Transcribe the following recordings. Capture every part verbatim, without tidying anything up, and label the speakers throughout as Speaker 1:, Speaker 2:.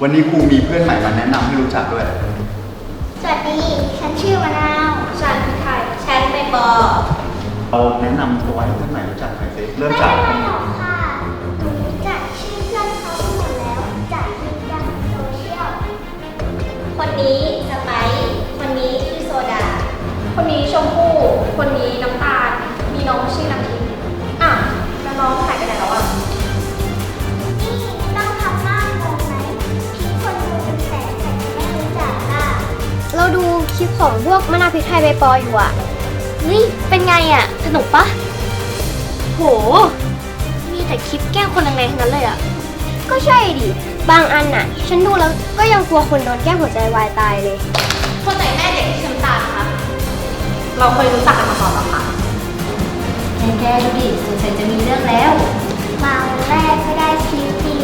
Speaker 1: วันนี้ครูมีเพื่อนใหม่มาแนะนำให้รู้จักด้วย
Speaker 2: สวัสดีฉันชื่อมะนาวฉันคือไทยฉันเป็นบอ
Speaker 1: เราแนะนำตัวให้เพื่อนใหม่รู้จักหน่อยสิเริ่มจาก
Speaker 2: ไม่เป็นไรหรอกค่ะหนูรู้จักชื่อเพื่อนเขาหมดแล้วจากคลิปดังโซเชียลคนนี้สไปซ์คนนี้ชื่อโซดา
Speaker 3: คนนี้ชมพู่คนนี้น้ำตาลมีน้องชื่อน้ำทิพย์อ่ะแล้วน้องหายไปไหนแล้วอ่ะ
Speaker 2: นี่ต้องทำหน้างงไหมพี่คนดูเป็นแสนแต่ไม่รู้จักอ่ะ
Speaker 4: เราดูคลิปของพวกมะนาวพริกไทยใบปออยู่อะเฮ้ยเป็นไงอะสนุกปะโหมีแต่คลิปแกล้งคนแรงๆทั้งนั้นเลยอะก็ใช่ดิบางอันน่ะฉันดูแล้วก็ยังกลัวคนโดนแกล้งหัวใจวายตายเลย
Speaker 3: คนไหนแม่เด็กที่น้ำตาลคะเราเคยรู้จักกันมาก่อนหรอคะ
Speaker 4: แกดูดิสงสัยจะมีเรื่องแล้ว
Speaker 2: มาวันแรกก็ได้คิวที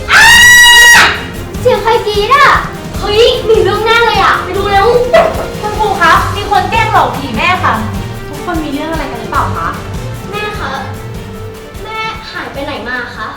Speaker 4: เสียงใครกรี๊ดอะเฮ้ยมีเรื่องแน่เลยอะไปดูเร็ว
Speaker 3: คุณครูคะมีคนแกล้งหลอกผีแม่ค่ะทุกคนมีเรื่องอะไรกันหรือเปล่าคะ
Speaker 4: แม่คะแม่หายไปไหนมาคะ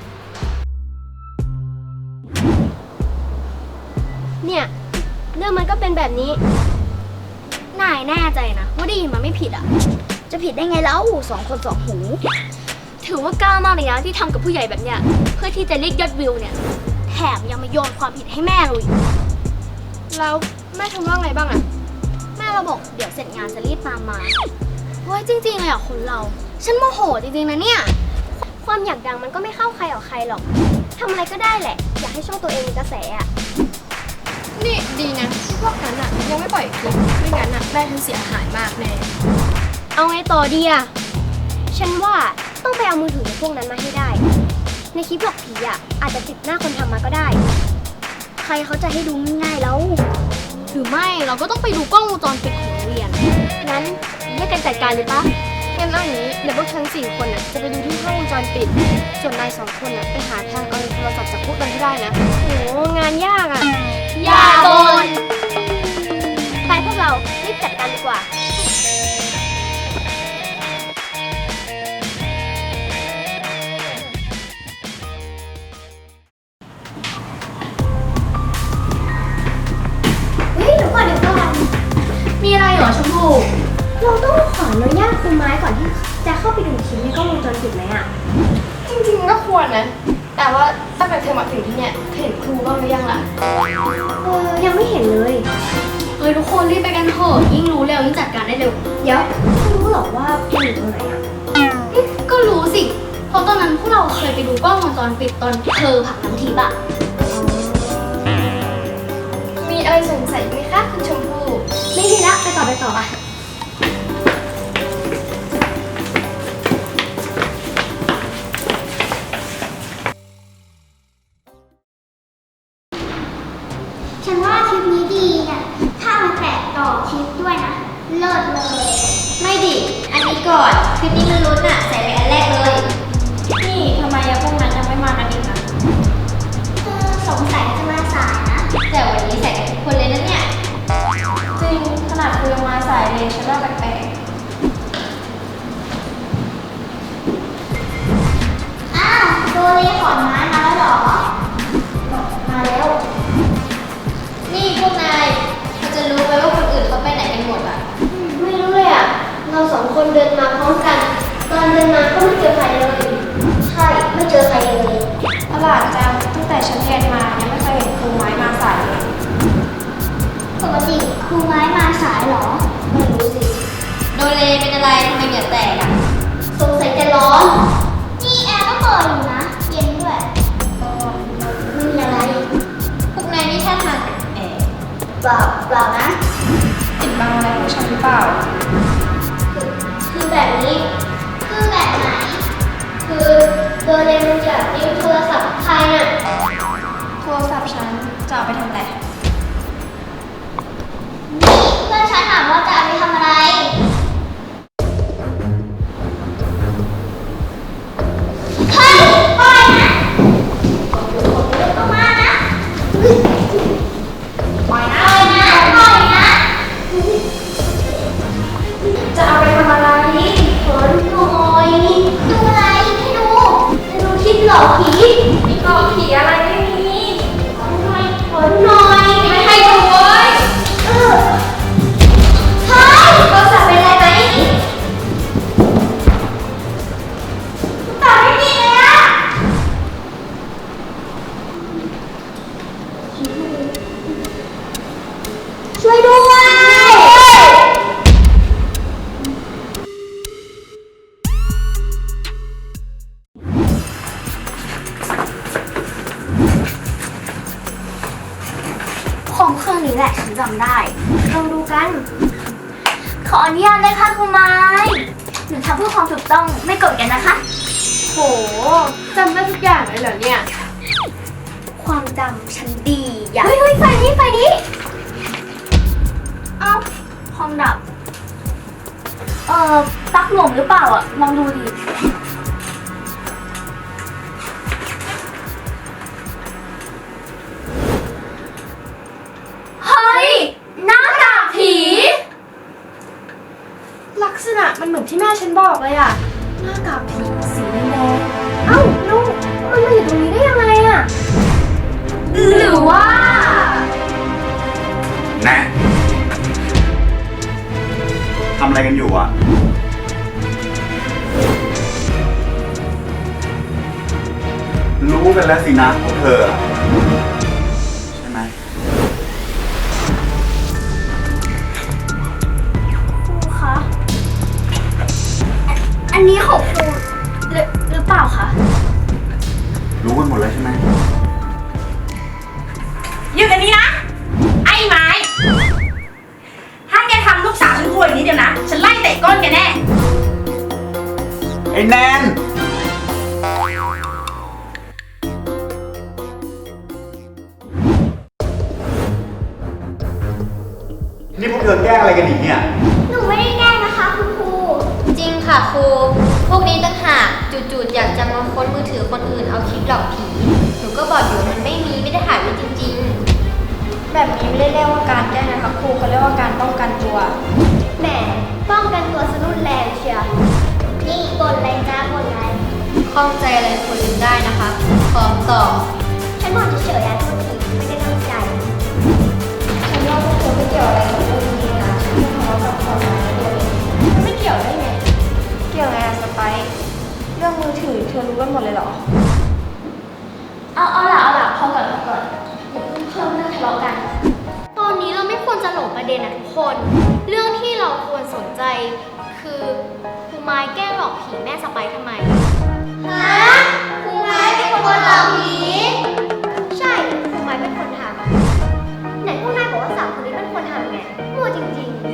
Speaker 4: เนี่ยเรื่องมันก็เป็นแบบนี้นายแน่ใจนะว่าได้ยินมาไม่ผิดอ่ะจะผิดได้ไงแล้วสองคนสองหูถือว่ากล้ามากเลยนะที่ทำกับผู้ใหญ่แบบเนี้ยเพื่อที่จะเรียกยอดวิวเนี่ยแถมยังมาโยนความผิดให้แม่เลยแล้วแม่ทำว่าไงบ้างอะแม่เราบอกเดี๋ยวเสร็จงานจะรีบตามมาเฮ้ยจริงๆเลยอ่ะคนเราฉันโมโหจริงๆนะเนี่ยความอยากดังมันก็ไม่เข้าใครออกใครหรอกทำอะไรก็ได้แหละอยากให้ช่องตัวเองมีกระแสอ่ะ
Speaker 3: นี่ดีนะที่พวกนั้นอ่ะยังไม่ปล่อยคลิปไม่งั้นอ่ะแม่ฉันเสียหายมากแน่
Speaker 4: เอาไงต่อดีอ่ะฉันว่าต้องไปเอามือถือพวกนั้นมาให้ได้ในคลิปหลอกผีอ่ะอาจจะติดหน้าคนทำมาก็ได้ใครเขาจะให้ดูง่ายๆแล้วหรือไม่เราก็ต้องไปดูกล้องวงจรปิดของโรงเรียนงั้นแยกกันจัดการเลยปะงั้นเอาอย่างนี้เดี๋ยวพวกฉันสี่คนน่ะจะไปดูที่กล้องวงจรปิดส่วนนายสองคนน่ะไปหาทางเอาโทรศัพท์จากพวกนั้นให้ได้นะโหงานยากอ่ะ
Speaker 3: อย่าบ่น
Speaker 4: ไปพวกเรารีบจัดการดีกว่า
Speaker 3: มีอะไรเหรอชมพู่
Speaker 4: เราต้องขออนุญาตครูไม้ก่อนที่จะเข้าไปดูคลิปในกล้องวงจรปิดไหมอ่ะ
Speaker 3: จริงๆก็ควรนะแต่ว่าตั้งแต่เธอมาถึงที่เนี่ยเห็นครูบ้างหรือยังล่ะ
Speaker 4: เออยังไม่เห็นเลย
Speaker 3: เอ้ยทุกคนรีบไปกันเถอะยิ่งรู้เร็วยิ่งจัดการได้เร็ว
Speaker 4: เดี๋ยวไม่รู้หรอกว่ามันอยู่ตรงไหนอ่ะ
Speaker 3: ก็รู้สิเพราะตอนนั้นพวกเราเคยไปดูกล้องวงจรปิดตอนเธอผักน้ำทิพย์อะมีอะไรสงสัยไหมคะคุณชมพู่
Speaker 4: ไม่มีละไปต่อไปต่ออ่ะ
Speaker 2: ฉันว่าคลิปนี้ดีเนี่ยถ้ามาแตะต่อคลิปด้วยนะเลิศเลย
Speaker 3: ไม่ดิอันนี้ก่อนคลิปนี้มันลุ้นอะใส่ไปอันแรกเลยนี่ทำไมยังพวกนั้นยังไม่มากันอีกนะ
Speaker 2: สงสัยจะมาสายนะ
Speaker 3: แต่วันนี้ใส่กันทุกคนเลยนะเนี่ยจริงขนาดคุยมาสายเลยฉันว่าแปลก
Speaker 2: ๆอ้าวโดเรขอนไม้มาแล้วหรอ
Speaker 3: มาแล้วนี่พวกนายเราจะรู้ไหมว่าคนอื่นเขาไปไหนกันหมดอ่ะ
Speaker 4: ไม่รู้เลยอ่ะเราสองคนเดินมาพร้อมกันตอนเดินมาก็ไม่เจอใครเลยใช่ไม่เจอใครเลย
Speaker 3: ประหลาดจังตั้งแต่ฉันเรียนมายังไม่เคยเห็นครูไม้มาสายเลย
Speaker 2: ปกติครูไม้มาสายหรอ
Speaker 3: ไม่รู้สิโดเรเป็นอะไรทำไมเหงื่อแตกอ่ะ
Speaker 4: สงสัยจะร้อน
Speaker 2: นี่แอร์ก็เปิดอยู่นะเย็นด้วย
Speaker 4: ไม่มีอะไร
Speaker 3: พวกนายนี่ท่าทางแอบ
Speaker 4: เปล่าเปล่านะ
Speaker 3: ปิดบังอะไรของฉันหรือเปล่า
Speaker 4: คือแบบนี้
Speaker 2: คือแบบไหน
Speaker 4: คือโดเรมันจะยืมโทรศัพท์ใครน่ะ
Speaker 3: โทรศัพท์ฉันจะเอาไปทำอะไร
Speaker 2: นี่เพื่อนฉันถามว่าจะเอาไปทำอะไรเฮ้ยปล่อยนะออกมานะ
Speaker 3: ปล่อยนะ
Speaker 2: ปล่อยนะปล่อยนะ
Speaker 3: จะเอาไปทำอะไร
Speaker 4: ขอดูหน่อย
Speaker 2: ดูอะไรให้ดู
Speaker 4: จะดูคลิปหลอกผี
Speaker 3: หลอกผีอะไรไม่มี
Speaker 2: ทำไม
Speaker 4: อมเครื่องนี้แหละฉันจำได้ลองดูกัน ขออนุญาตเลยค่ะคุณไม้หนูทำเพื่อความถูกต้องไม่โกดกันนะคะ
Speaker 3: โหจำได้ทุกอย่างเลยเหรอเนี่ย
Speaker 4: ความจำฉันดีอย่าเฮ้ยเฮ้ยไฟนี้ไฟนี้เอ้าคอมดับ เอ่อปลั๊กหลวมหรือเปล่าอ่ะลองดูดิ เฮ้ยหน้ากากผี
Speaker 3: ลักษณะมันเหมือนที่แม่ฉันบอกเลยอะหน้ากากผีสีแดงๆเอ้าลูกมันมาอยู่ตรงนี้ได้ยังไงอะ
Speaker 4: หรือว่า
Speaker 1: แน่ทำอะไรกันอยู่อ่ะ รู้กันแล้วสินะพวกเธอ ใช่ไหม
Speaker 4: ครูคะอันนี้ของครูหรือหรือเปล่าคะ
Speaker 1: รู้กันหมดแล้วใช่ไหม
Speaker 5: อยู่กันนี้นะ ไอ้ไม้ ถ้าแกทำลูกสาวฉันควยนิดเดียวนะ ฉันไล่เตะก้นแกแน่
Speaker 1: ไอ้แนน นี่พวกเธอแกล้งอะไรกันอีกเนี่ย
Speaker 2: หนูไม่ได้แกล้งนะคะคุณครู
Speaker 3: จริงค่ะครู พวกนี้ต่างหากจู่ๆอยากจะมาค้นมือถือคนอื่นเอาคลิปหลอกผี หนูก็บอกอยู่มันไม่มีไม่ได้ถ่ายไว้จริงๆ แบบนี้ไม่ได้เรียกว่าการแกล้งนะคะครูเขาเรียกว่าการป้องกันตัว
Speaker 2: แหมป้องกันตัวสรุนแรงเชียวนี่บนอะไรจ้าบนอะไร
Speaker 3: ข้องใจอะไรควรลืมได้นะคะขอตอบ
Speaker 2: ฉันบอกเฉยๆอะโทษทีไม่ได้ตั้งใจ
Speaker 3: ฉันว่าพวกเธอไม่เกี่ยวอะไรกับเรื่องนี้นะฉันทะเลาะกับความรักเดียวเองไม่เกี่ยวได้ไง เกี่ยวไงอะสไปซ์เรื่องมือถือเธอรู้กันหมดเลยเหรอ
Speaker 4: เอาเอาล่ะเอาล่ะพอก่อนพอก่อนอย่าเพิ่งเพิ่มเรื่องทะเลาะกัน ตอนนี้เราไม่ควรจะหลงประเด็นนะทุกคน เรื่องที่เราควรสนใจ คือครูไม้แกล้งหลอกผีแม่สไปซ์ทำไม
Speaker 2: ฮะครูไม้เป็นคนหลอกผี
Speaker 4: ใช่ครูไม้เป็นคนทำไหนพวกนายบอกว่าสามคนนี้เป็นคนทำไงมั่วจริงๆ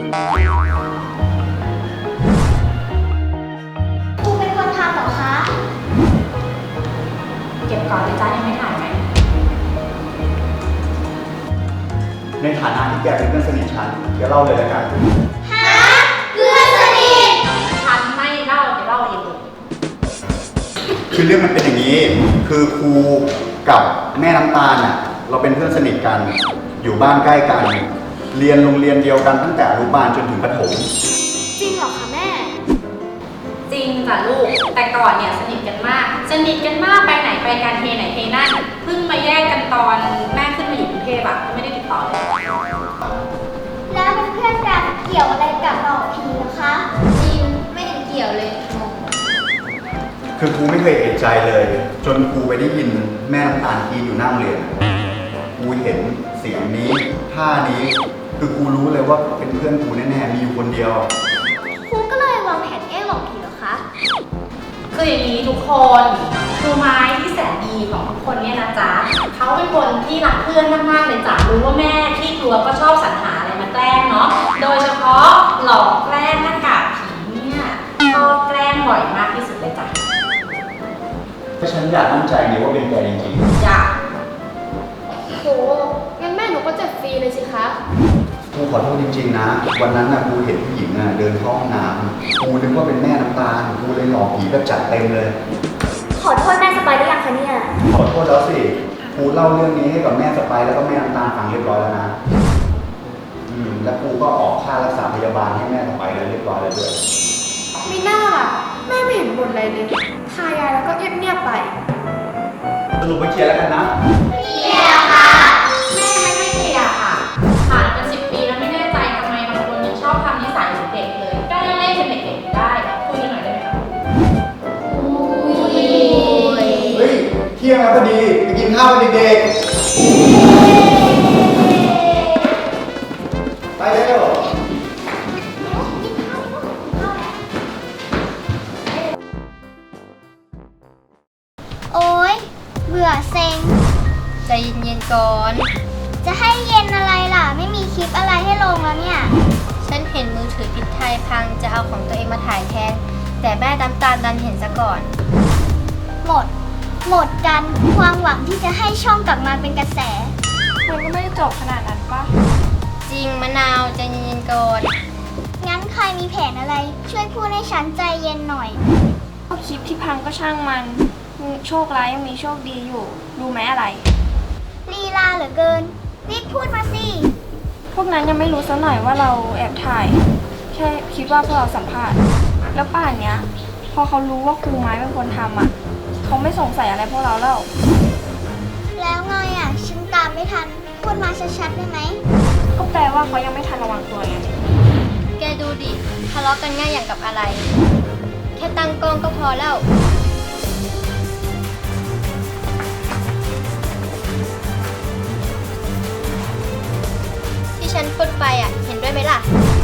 Speaker 4: ครูเป็นคนทำเหรอคะ
Speaker 5: เก็บก่อนเลยจ้ายังไม่ถ่ายไหม
Speaker 1: ในฐานะที่แกเป็นเพื่อนสนิทฉัน เดี๋ยวเล่าเลยแล้วกัน
Speaker 2: ฮะเพื่อนสนิท
Speaker 5: ฉันไม่เล่าจะเล่าเองเลย
Speaker 1: คือเรื่องมันเป็นอย่างนี้ คือครูกับแม่น้ำตาลน่ะ เราเป็นเพื่อนสนิทกัน อยู่บ้านใกล้กัน เรียนโรงเรียนเดียวกันตั้งแต่อนุบาลจนถึงประถม
Speaker 4: จริงเหรอคะแม่
Speaker 5: จริงจ้ะลูก แต่ก่อนเนี่ยสนิทกันมาก สนิทกันมากไปไหนไปกันเทไหนเทนั่น เพิ่งมาแยกกันตอนแม่ขึ้นมาอยู่กรุงเทพอะไม่ได้ติดต่อเลย
Speaker 2: แล้วเป็นเพื่อนกันเกี่ยวอะไรกับหลอกผีนะคะ
Speaker 3: จริงไม่เห็นเกี่ยวเลยงง
Speaker 1: คือครูไม่เคยเอะใจเลย จนครูไปได้ยินแม่น้ำตาลกรีดอยู่หน้าโรงเรียนครูเห็นเสียงนี้ท่านี้คือครูรู้เลยว่าเป็นเพื่อนครูแน่ๆมีอยู่คนเดียว
Speaker 4: ครูก็เลยวางแผนแกล้งหลอกผีเหรอคะ
Speaker 5: คืออย่างนี้ทุกคนครูไม้ที่แสนดีของทุกคนเนี่ยนะจ๊ะเขาเป็นคนที่รักเพื่อนมากๆเลยจ้ะรู้ว่าแม่ที่กลัวก็ชอบสรรหาอะไรมาแกล้งเนาะโดยเฉพาะหลอกแกล้งหน้ากากผีเนี่ยชอบแกล้งบ่อยมากที่สุดเลยจ้ะ
Speaker 1: ถ้าฉันอยากมั่นใจเลยว่าเป็นแกจริง
Speaker 5: อยาก
Speaker 3: โหงั้นแม่หนูก็เจ็บฟรีเลยสิคะ
Speaker 1: ๆครูขอโทษจริงๆนะ วันนั้นนะครูเห็นผู้หญิงน่ะเดินเข้าห้องน้ำครูนึกว่าเป็นแม่น้ำตาลครูเลยหลอกผีแบบจัดเต็มเลย
Speaker 4: ขอโทษแม่สไปร์ได้ยังคะเนี่ย
Speaker 1: ขอโทษแล้วสิครูเล่าเรื่องนี้ให้กับแม่สไปร์แล้วก็แม่น้ำตาลฟังเรียบร้อยแล้วนะอืมแล้วครูก็ออกค่ารักษาพยาบาลให้แม่สไปร์เลยเรียบร้อยแล้วด้วย
Speaker 3: มีหน้าล่ะแม่ไม่เห็นบ่นอะไรเลยทายายแล้วก็เงียบๆไป
Speaker 1: สรุปไปเคลียร์แล้วกันนะ
Speaker 2: เกี่ยวค่ะ
Speaker 5: แม่ไม่ให้เคลียร์ค่ะผ่านมาสิบปีแล้วไม่แน่ใจทำไมบางคนยังชอบทำนิสัยเหมือนเด็กเลยก็เล่นเล่นเป็นเด็กๆได้คุยกันหน่อยได้ไหมคะ
Speaker 1: เฮ้ย เที่ยงแล้วพอดีไปกินข้าวกันเด็กๆ ไปเร็ว
Speaker 2: โอ๊ย เบื่อเซ็ง
Speaker 3: ใจเย็นๆก่อน
Speaker 2: จะให้เย็นอะไรล่ะ ไม่มีคลิปอะไรให้ลงแล้วเนี่ย
Speaker 3: ฉันเห็นมือถือพิษไทยพังจะเอาของตัวเองมาถ่ายแทน แต่แม่น้ำตาลดันเห็นซะก่อน
Speaker 2: หมด หมดกันความหวังที่จะให้ช่องกลับมาเป็นกระแส
Speaker 4: มันก็ไม่ได้จบขนาดนั้นปะ
Speaker 3: จริงมะนาวใจเย็นๆก่อน
Speaker 2: งั้นใครมีแผนอะไร ช่วยพูดให้ฉันใจเย็นหน่อย
Speaker 4: ก็คลิปที่พังก็ช่างมันมีโชคร้ายยังมีโชคดีอยู่ รู้ไหมอะไร
Speaker 2: ลีลาเหลือเกิน รีบพูดมาสิ
Speaker 4: พวกนั้นยังไม่รู้ซะหน่อยว่าเราแอบถ่าย แค่คิดว่าพวกเราสัมภาษณ์ แล้วป่านเนี้ย พอเขารู้ว่าครูไม้เป็นคนทำอ่ะ เขาไม่สงสัยอะไรพวกเราแล้ว
Speaker 2: แล้วไงอ่ะ ฉันตามไม่ทัน พูดมาชัดๆได้ไหม
Speaker 4: ก็แปลว่าเขายังไม่ทันระวังตัวไง
Speaker 3: แกดูดิทะเลาะกันง่ายอย่างกับอะไร แค่ตั้งกล้องก็พอแล้ว ที่ฉันพูดไปอ่ะ เห็นด้วยไหมล่ะ